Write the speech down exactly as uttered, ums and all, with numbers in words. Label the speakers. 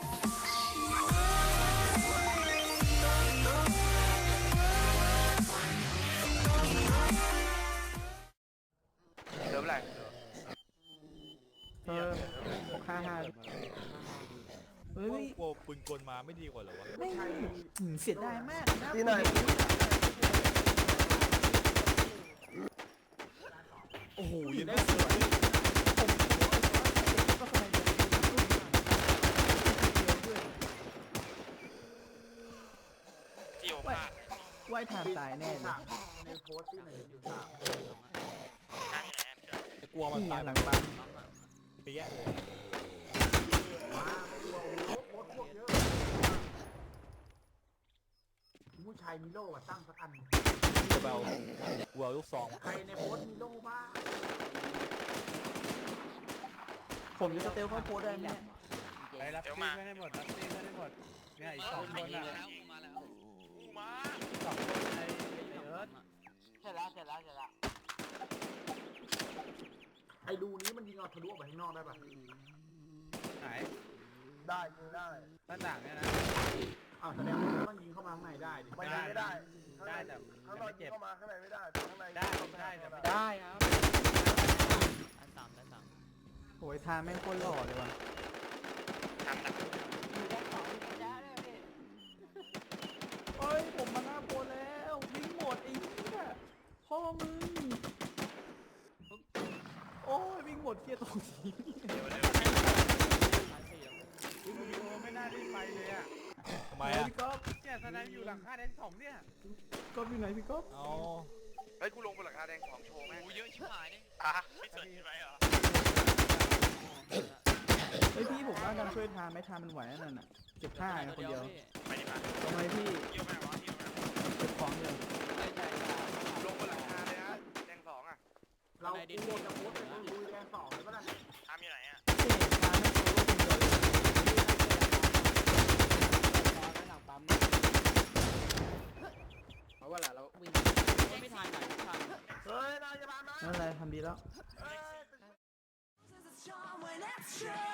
Speaker 1: เริ่มอะไร
Speaker 2: เออหกห้าห้าเฮ้ย
Speaker 3: กลัวปืนกลมาไม่ดีกว่าเหรอวะ
Speaker 2: ไม่เสียดายมากนะ
Speaker 4: ที่ไหน
Speaker 3: โอ้โหยังได้สวย
Speaker 2: ก็ทำไมโดนด้วย
Speaker 1: ที่โอภาส
Speaker 2: ว่ายทางตายแน่เลย
Speaker 4: ในโพสต์ที่ไหนอยู่สาม
Speaker 1: ข้างที่ไหนเกิด
Speaker 3: แต่กลัวมัน
Speaker 2: นี่
Speaker 3: ตาย
Speaker 2: หลังปั๊ม
Speaker 3: เปี้ยเลย
Speaker 4: มาไม่กลัวโอ้โหรถพวกเยอะผู้ชายมีโล่อะตั้งสักอัน
Speaker 3: จะเบาวัวลูกซอง
Speaker 4: ใครในโพสต์มีโล่บ้าง
Speaker 2: ผมจะสเตลเข้าโพสได้ไหมเนี่ย
Speaker 5: ไปรับตีไม่ได้หมดรับตีไม่ได้หมดเนี่ยอีกสองคนอ่ะ
Speaker 1: มาแล้วมา
Speaker 5: สองคนในเอิร์ธ
Speaker 1: เสร็จแล้วเสร็จแล้วเสร็จแล้ว
Speaker 4: ไอ้รูนี้มันยิงเอาทะลุออกไปข้างนอกได้ปะ
Speaker 5: ไหน
Speaker 4: ได้ยิงได้
Speaker 5: หน้าต่างเนี่ยนะ
Speaker 4: อ้าวแสดงว่าต้องยิงเข้ามาข้างในได้ดิ
Speaker 5: ไม่ได้ไม่ได้ได้แต่
Speaker 6: ข้างน
Speaker 5: ไม่
Speaker 6: อกยิ
Speaker 5: เจ็
Speaker 6: ง
Speaker 5: บ
Speaker 6: เข้ามาข้างในไม่ได้แต่ข้างใน
Speaker 5: ได้ได้แต่ไม่
Speaker 2: ได้ครับ
Speaker 5: อันสามอันสาม
Speaker 2: โอ้ยทางแม่งโคตรหล่อเลยว่ะ
Speaker 1: ทำหนัก
Speaker 2: เฮ้ยผมมาหน้าโพสแล้ววิ่งหมดไอ้เหี้ยพ่อมึงโอ้ยวิ่งหมดเครียดตรงนี้
Speaker 1: เดี๋ยวเร็ว
Speaker 5: วิดีโอไม่น่ารีบไปเลยอ่ะ
Speaker 3: ทำไม
Speaker 2: เฮ้ย
Speaker 3: อ่ะ
Speaker 2: พี่ก๊อฟ
Speaker 5: เนี่ยแสดงอยู่หลังคาแดนสองเนี่ย
Speaker 2: ก๊อฟอยู่ไหนพี่ก๊อฟ
Speaker 3: เอา
Speaker 1: เฮ้ยกูลงบนหลังคาแดงของโชว์แม่งเยอะชิบหายนี่อ่ะไม่สนใจเหรอ
Speaker 2: เฮ้ยพี่ผมว่าการช่วยทานไม่ทานมันไหวนั่นน่ะเก็บผ้านะคนเดียว
Speaker 1: ไปดิมา
Speaker 2: ทำไมพี่
Speaker 1: เที่ยวแม่วะเที่ยวแม่
Speaker 2: เก็บของเดียว
Speaker 1: ลงบนหลังคาเลยนะแดงสองอ่ะ
Speaker 4: เรากูโดนจะโพสต์เป็นรูแดงสองเลยปะล่ะ
Speaker 1: ทำอยู่ไหนอ่ะ
Speaker 2: เฮ้ยทานไม่โซโล่คนเดียวเลย
Speaker 5: เพราะว่าเราวิ่งไม่ทันไหนไม่ทัน
Speaker 4: เฮ้ยนายจะมาไหม
Speaker 2: นั่นอะไรทำดีแล้ว
Speaker 4: เฮ้ย
Speaker 7: When it's true